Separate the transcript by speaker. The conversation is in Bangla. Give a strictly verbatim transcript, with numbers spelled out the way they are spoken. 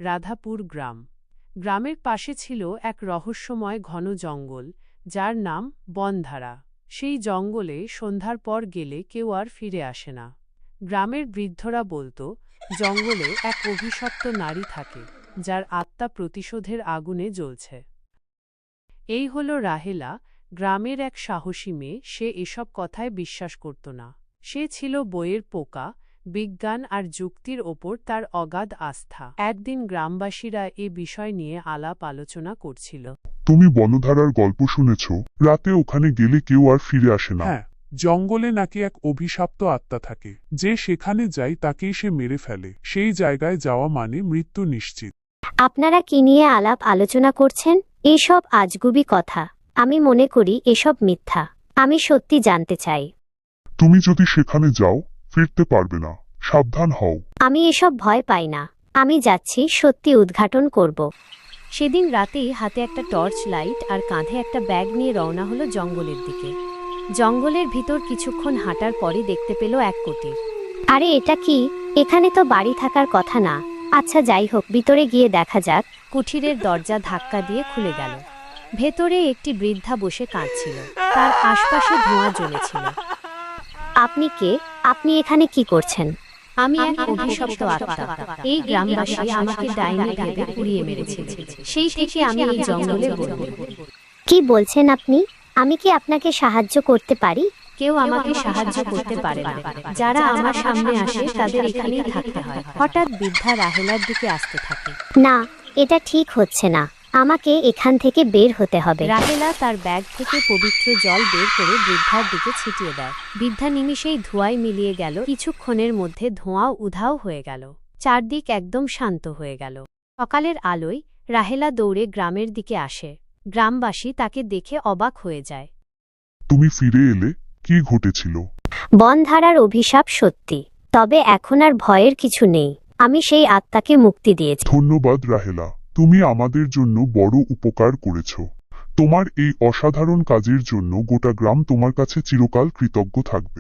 Speaker 1: রাধাপুর গ্রাম। গ্রামের পাশে ছিল এক রহস্যময় ঘন জঙ্গল, যার নাম বনধারা। সেই জঙ্গলে সন্ধ্যার পর গেলে কেউ আর ফিরে আসে না। গ্রামের বৃদ্ধরা বলতো, জঙ্গলে এক অভিশপ্ত নারী থাকে, যার আত্মা প্রতিশোধের আগুনে জ্বলছে। এই হল রাহেলা, গ্রামের এক সাহসী মেয়ে। সে এসব কথায় বিশ্বাস করত না। সে ছিল বইয়ের পোকা, বিজ্ঞান আর যুক্তির ওপর তার অগাধ আস্থা। একদিন গ্রামবাসীরা এ বিষয় নিয়ে আলাপ আলোচনা করছিল।
Speaker 2: তুমি বনধারার গল্প শুনেছ? রাতে ওখানে গেলে কেউ আর ফিরে আসে না।
Speaker 3: হ্যাঁ, জঙ্গলে নাকি এক অভিশপ্ত আত্মা থাকে, যে সেখানে যায় তাকেই সে মেরে ফেলে। সেই জায়গায় যাওয়া মানে মৃত্যু নিশ্চিত।
Speaker 4: আপনারা কি নিয়ে আলাপ আলোচনা করছেন? এসব আজগুবি কথা। আমি মনে করি এসব মিথ্যা। আমি সত্যি জানতে চাই।
Speaker 2: তুমি যদি সেখানে যাও, ফিরতে পারবে না। সাবধান হও।
Speaker 4: আমি এসব ভয় পাই না। আমি যাচ্ছি, সত্যি উদ্ঘাটন করব।
Speaker 1: সেদিন রাতেই হাতে একটা টর্চ লাইট আর কাঁধে একটা ব্যাগ নিয়ে রওনা হলো জঙ্গলের দিকে। জঙ্গলের ভিতর কিছুক্ষণ হাঁটার পরই দেখতে পেল এক কুটির।
Speaker 4: আরে এটা কি? এখানে তো বাড়ি থাকার কথা না। আচ্ছা যাই হোক, ভিতরে গিয়ে দেখা যাক।
Speaker 1: কুঠিরের দরজা ধাক্কা দিয়ে খুলে গেল। ভেতরে একটি বৃদ্ধা বসে কাঁদছিল। তার আশপাশে ধোঁয়া জ্বলেছিল।
Speaker 4: আপনি কে? আপনি এখানে কি করছেন?
Speaker 1: আমি এক অভিশপ্ত আত্মা। এই গ্রামবাসী আমাকে ডাইনি ভেবে পুড়িয়ে মেরেছিল। সেই থেকে আমি এই জঙ্গলে বন্দি।
Speaker 4: কি বলছেন আপনি? আমি কি আপনাকে সাহায্য করতে পারি?
Speaker 1: কেউ আমাকে সাহায্য করতে পারে না। যারা আমার সামনে আসে তাদের এখানেই থাকতে হয়। হঠাৎ বৃদ্ধা রাহেলার দিকে আসতে থাকে।
Speaker 4: না, এটা ঠিক হচ্ছে না। আমাকে এখান থেকে বের হতে হবে।
Speaker 1: রাহেলা তার ব্যাগ থেকে পবিত্র জল বের করে বৃদ্ধার দিকে ছিটিয়ে দেয়। বৃদ্ধা নিমিষেই ধোঁয়ায় মিলিয়ে গেল। কিছুক্ষণের মধ্যে ধোঁয়াও উধাও হয়ে গেল। চারদিক একদম শান্ত হয়ে গেল। সকালের আলোয় রাহেলা দৌড়ে গ্রামের দিকে আসে। গ্রামবাসী তাকে দেখে অবাক হয়ে যায়।
Speaker 2: তুমি ফিরে এলে? কি ঘটেছিল?
Speaker 4: বনধারার অভিশাপ সত্যি, তবে এখন আর ভয়ের কিছু নেই। আমি সেই আত্মাকে মুক্তি দিয়েছি।
Speaker 2: ধন্যবাদ রাহেলা, তুমি আমাদের জন্য বড় উপকার করেছ। তোমার এই অসাধারণ কাজের জন্য গোটা গ্রাম তোমার কাছে চিরকাল কৃতজ্ঞ থাকবে।